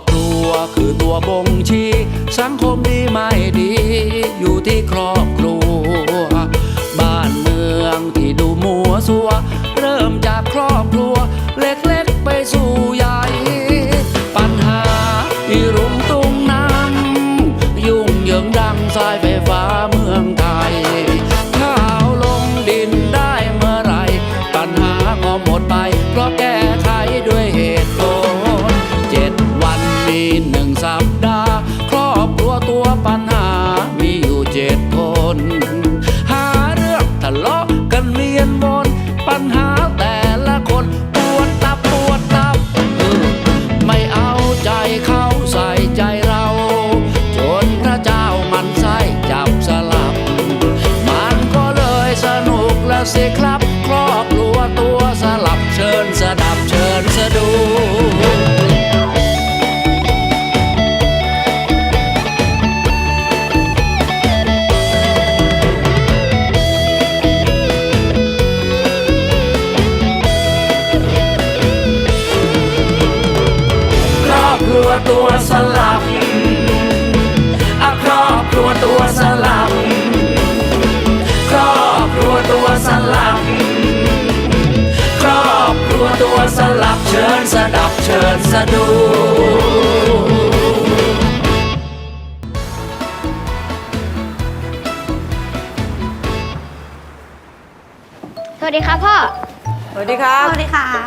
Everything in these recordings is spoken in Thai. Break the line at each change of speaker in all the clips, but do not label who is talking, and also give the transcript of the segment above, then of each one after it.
ครัวคือตัวบ่งชี้สังคมดีไม่ดีอยู่ที่ครอบครัวบ้านเมืองที่ดูมัวซัวเริ่มจากครอบครัวเล็กๆไปสู่ใหญ่ปัญหาที่รุมตุ้งน้ำยุ่งเหยิงดังสายไฟฟ้าเมืองไทยข้าวลงดินได้เมื่อไรปัญหาก็หมดไปเพราะแก้ไขด้วยเหตุผล7 วันมี1 สัปดาห์ครอบครัวตัวปัญหามีอยู่7 คนหาเรื่องทะเลาะกันเวียนวนปัญหาแต่ละคนปวดตับไม่เอาใจเขาใส่ใจเราจนพระเจ้ามันไส้จับสลับมันก็เลยสนุกแล้วสิครับครอบครัวตัวสลับเชิญสดับเชิญสะดูตัวสลับครอบครัวตัวสลับครอบครัวตัวสลับครอบครัวตัวสลับเชิญสดับเชิญสะดู
สวัสดีครับพ่อ
สวัสดีครับ
สวัสดีครับ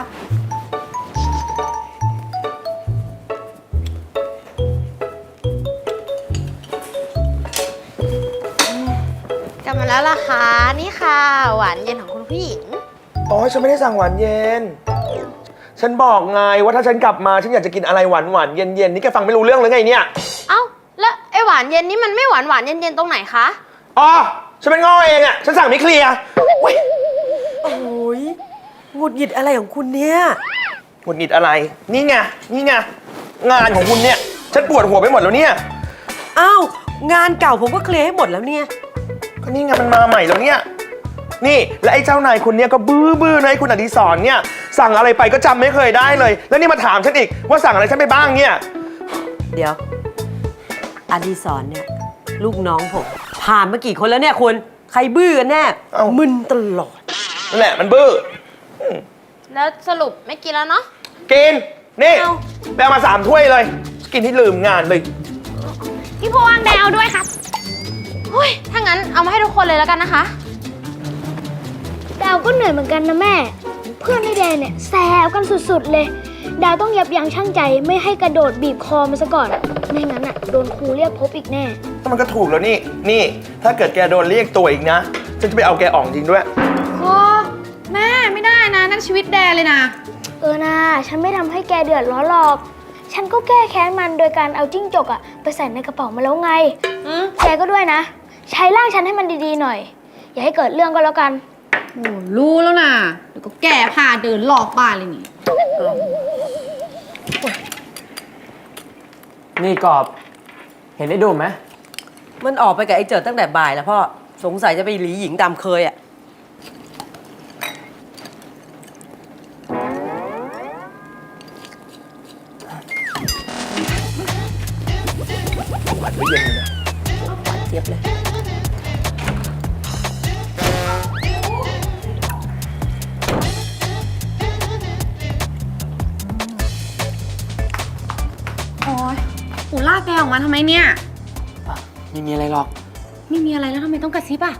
กลับมาแล้วล่ะคะนี่ค่ะหวานเย็นของคุณผู้หญิง
อ๋อฉันไม่ได้สั่งหวานเย็นฉันบอกไงว่าถ้าฉันกลับมาฉันอยากจะกินอะไรหวานเย็นนี่แกฟังไม่รู้เรื่องเลยไงเนี่ย
เอ้าแล้วไอ้หวานเย็นนี่มันไม่หวานเย็นตรงไหนคะ
อ๋อฉันเป็นง้อเองอ่ะฉันสั่งไม่เคลียร์
โอ้ยหงุดหงิดอะไรของคุณเนี่ย
หงุดหงิดอะไรนี่ไงงานของคุณเนี่ยฉันปวดหัวไปหมดแล้วเนี่ย
อ้าวงานเก่าผมก็เคลียร์ให้หมดแล้วเนี่ย
ก็นี่ไงมันมาใหม่แล้วเนี่ยนี่และไอ้เจ้านายคุณเนี่ยก็บื้อนะไอ้คุณอดิศรเนี่ยสั่งอะไรไปก็จำไม่เคยได้เลยแล้วนี่มาถามฉันอีกว่าสั่งอะไรฉันไปบ้างเนี่ย
เดี๋ยวอดิศรเนี่ยลูกน้องผมผ่านมากี่คนแล้วเนี่ยคุณใครบื้อกันแน่มึนตลอด
นั่นแหละมันบื้อ
แล้วสรุปไม่กินแล้วเนาะ
กินนี่แบลมา3 ถ้วยเลยกินที่ลืมงานเลย
พี่พวงแดงเอาด้วยครับถ้างั้นเอามาให้ทุกคนเลยแล้วกันนะคะ
ดาวก็เหนื่อยเหมือนกันนะแม่เพื่อนไอ้แดงเนี่ยแซวกันสุดๆเลยดาวต้องยับยั้งชั่งใจไม่ให้กระโดดบีบคอมันซะก่อนไม่งั้นอ่ะโดนครูเรียกพบอีกแน่
มันก็ถูกแล้วนี่ถ้าเกิดแกโดนเรียกตัวอีกนะฉันจะไปเอาแกออกจริงด้วย
โอ้แม่ไม่ได้นะนั่นชีวิตแดงเลยนะ
นะฉันไม่ทำให้แกเดือดร้อนหรอกฉันก็แก้แค้นมันโดยการเอาจิ้งจกไปใส่ในกระเป๋ามาแล้วไงแกก็ด้วยนะใช้ร่างฉันให้มันดีๆหน่อยอย่าให้เกิดเรื่องก็แล้วกัน
โอ้รู้แล้วนะเดี๋ยวก็แก่พาเดินหลอกบ้านเลย
นี่กอบเห็นไอ้ดูไหม
มันออกไปกับไอ้เจิดตั้งแต่บ่ายแล้วพ่อสงสัยจะไปหลีหญิงตามเคย
หวานไม่เย็นเลยนะ
หวานเจี๊ยบเลย
โอ้ยหูลากแกออกมาทำไมเนี่ย
ไม่มีอะไรหรอก
ไม่มีอะไรแล้วทำไมต้องกระซิบอ่ะ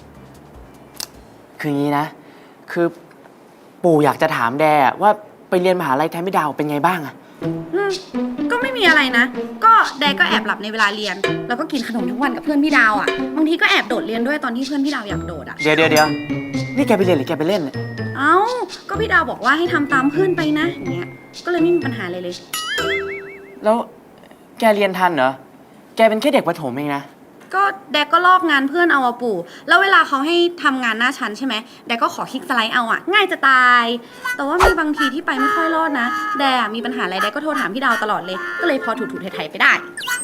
คืองี้นะคือปู่อยากจะถามแดว่าไปเรียนมหาลัยแทนพี่ดาวเป็นไงบ้างอะ
ก็ไม่มีอะไรนะก็แดก็แอบหลับในเวลาเรียนแล้วก็กินขนมทั้งวันกับเพื่อนพี่ดาวอ่ะบางทีก็แอบโดดเรียนด้วยตอนที่เพื่อนพี่ดาวอยากโดดอ่ะ
เดี๋ยวนี่แกไปเรียนหรือแกไปเล่นเนี่ย
เอ้าก็พี่ดาวบอกว่าให้ทำตามเพื่อนไปนะอย่างเงี้ยก็เลยไม่มีปัญหาเลย
แล้วแกเรียนทันเหรอแกเป็นแค่เด็กประถมเองนะ
ก็แดกก็ลอกงานเพื่อนเอาอะปู่แล้วเวลาเขาให้ทำงานหน้าชั้นใช่ไหมแดกก็ขอคลิกสไลด์เอาอะง่ายจะตายแต่ว่ามีบางทีที่ไปไม่ค่อยรอดนะแดกมีปัญหาอะไรแดกก็โทรถามพี่ดาวตลอดเลยก็เลยพอถูไถไปได้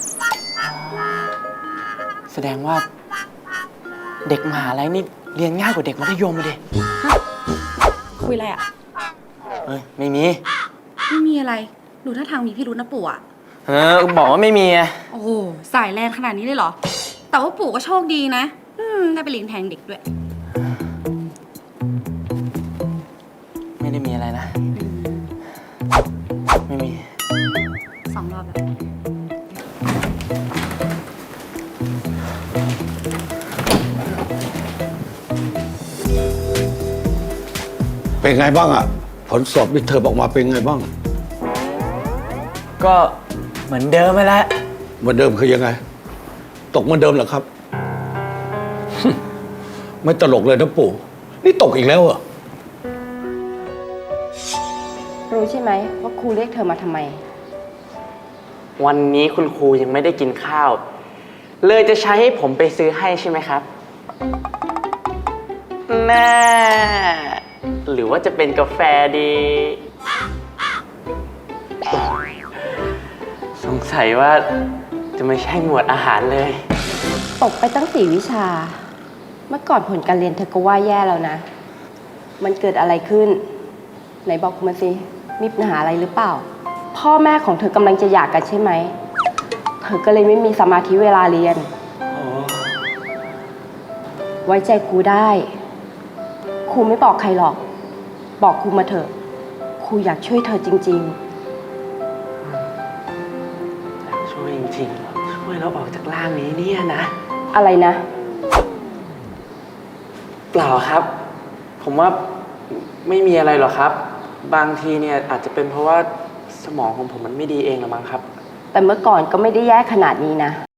แสดงว่าเด็กมหาลัยนี่เรียนง่ายกว่าเด็กมัธยมเลย
คุยอะไรอะ
ไม่มี
อะไรดูท่าทางมีพี่รุ้นนะปู่อะ
บอกว่าไม่มีไง
โอ้โหสายแรงขนาดนี้เลยเหรอ แต่ว่าปู่ก็โชคดีนะได้ไปเลี้ยงแทงเด็กด้วย
ไม่ได้มีอะไรนะ ไม่มี
2 รอบแล้ว
เป็นไงบ้างอะผลสอบมิดเทอมออกมาเป็นไงบ้าง
ก็เหมือนเดิมไปแล้ว
เหมือนเดิมคือยังไง ตกเหมือนเดิมเหรอครับ ไม่ตลกเลยนะปู่ นี่ตกอีกแล้วเหรอ
รู้ใช่ไหมว่าครูเรียกเธอมาทำไม
วันนี้คุณครูยังไม่ได้กินข้าว เลยจะใช้ให้ผมไปซื้อให้ใช่ไหมครับแน่หรือว่าจะเป็นกาแฟดี สงสัยว่าจะไม่ใช่หมวดอาหารเลย
ตกไปตั้ง4 วิชา เมื่อก่อนผลการเรียนเธอก็ว่าแย่แล้วนะ มันเกิดอะไรขึ้น ไหนบอกมาสิ มีปัญหาอะไรหรือเปล่า พ่อแม่ของเธอกำลังจะหย่ากันใช่ไหม เธอก็เลยไม่มีสมาธิเวลาเรียน ไว้ใจครูได้ ครูไม่บอกใครหรอก บอกครูมาเถอะ ครูอยากช่วยเธอจริง
ช่วยจริงๆเหรอช่วยเราออกจากร่างนี้เนี่ยนะ
ๆ อะไรนะ
เปล่าครับ ผมว่าไม่มีอะไรหรอกครับ บางทีเนี่ยอาจจะเป็นเพราะว่าสมองของผมมันไม่ดีเองหรือมั้งครับ
แต่เมื่อก่อนก็ไม่ได้แย่ขนาดนี้นะ